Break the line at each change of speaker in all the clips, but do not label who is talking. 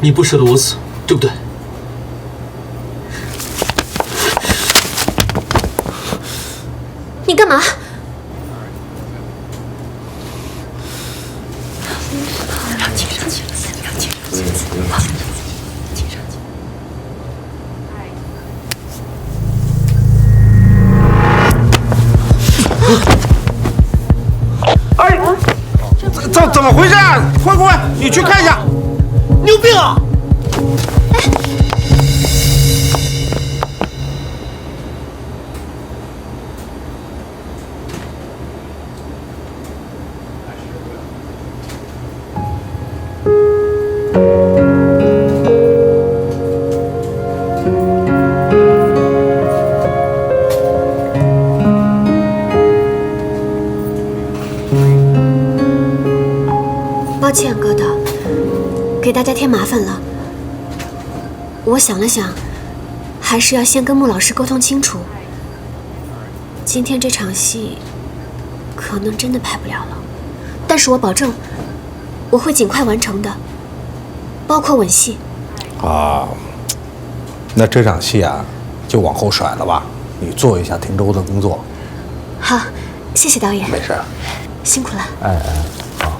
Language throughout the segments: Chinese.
你不舍得我死，对不对？
你干嘛？
哎，怎么回事啊？灰灰，你去看一下。你有病啊！
抱歉，哥的，给大家添麻烦了。我想了想，还是要先跟穆老师沟通清楚。今天这场戏可能真的拍不了了，但是我保证，我会尽快完成的，包括吻戏。
啊，那这场戏啊，就往后甩了吧。你做一下停州的工作。
好，谢谢导演。
没事。
辛苦了。
哎，好。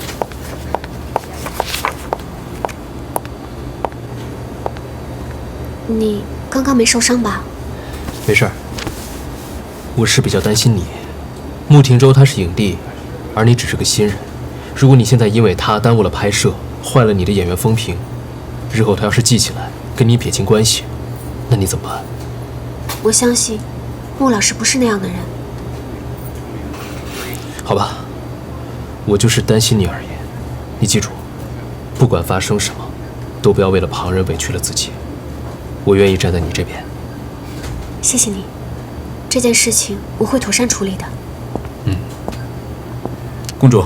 你刚刚没受伤吧？
没事儿。我是比较担心你。穆廷州他是影帝，而你只是个新人。如果你现在因为他耽误了拍摄，坏了你的演员风评，日后他要是记起来跟你撇清关系，那你怎么办？
我相信穆老师不是那样的人。
好吧，我就是担心你而已。你记住，不管发生什么，都不要为了旁人委屈了自己。我愿意站在你这边。
谢谢你，这件事情我会妥善处理的。
公主，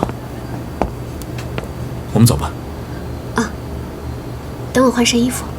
我们走吧。
啊，等我换身衣服。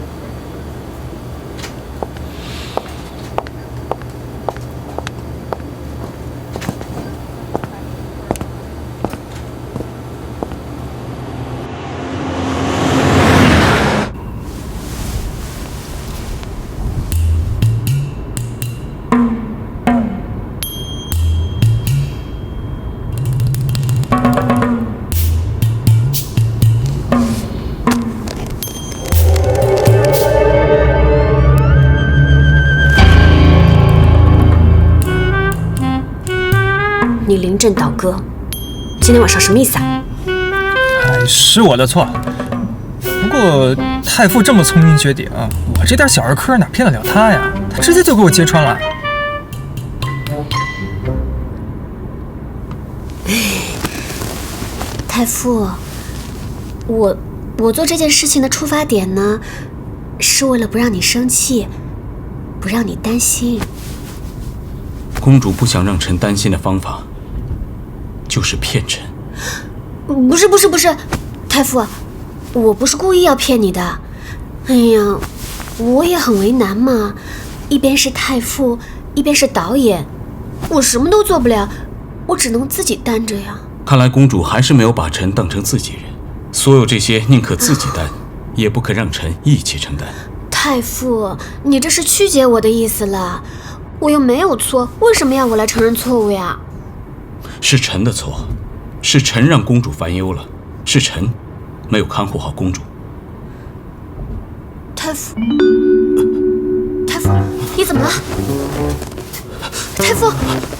你临阵倒戈，今天晚上什么意思啊？
哎，是我的错。不过太傅这么聪明绝顶，我这点小儿科哪骗得了他呀？他直接就给我揭穿了。
太傅，我做这件事情的出发点呢，是为了不让你生气，不让你担心。
公主不想让臣担心的方法，就是骗臣。
不是，太傅，我不是故意要骗你的。哎呀，我也很为难嘛，一边是太傅，一边是导演，我什么都做不了，我只能自己担着呀。
看来公主还是没有把臣当成自己人，所有这些宁可自己担，也不肯让臣一起承担。
太傅，你这是曲解我的意思了，我又没有错，为什么要我来承认错误呀？
是臣的错，是臣让公主烦忧了，是臣没有看护好公主。
太傅，你怎么了？太傅，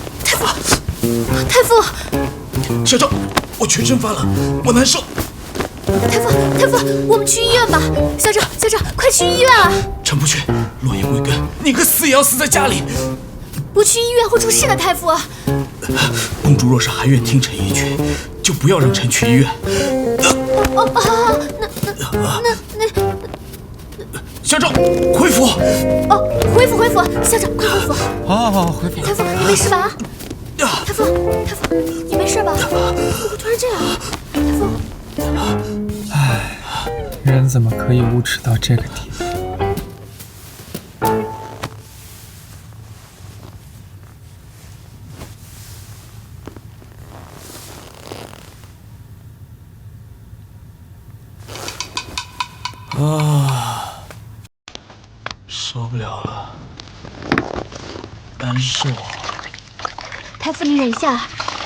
校长，我全身发冷，我难受。
太傅，我们去医院吧。校长，快去医院啊！
臣不去，落叶归根，宁可死也要死在家里。
不去医院会出事的，太傅。
公主若是还愿听臣一句，就不要让臣去医院。校长，恢复。
恢复，校长，快恢复。
好，恢复。
太傅，你没事吧？太傅，你没事吧？怎么突然这样？太傅。
唉，人怎么可以无耻到这个地步？
啊，受不了了，难受。
太傅，你忍一下。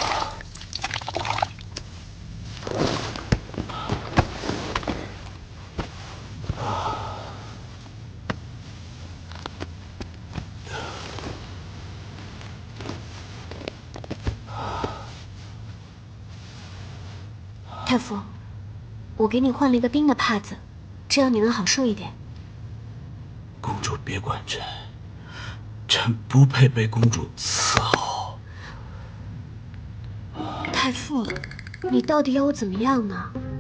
太傅，我给你换了一个冰的帕子，这样你能好受一点。
公主别管朕，朕不配被公主伺候。
太傅，你到底要我怎么样呢？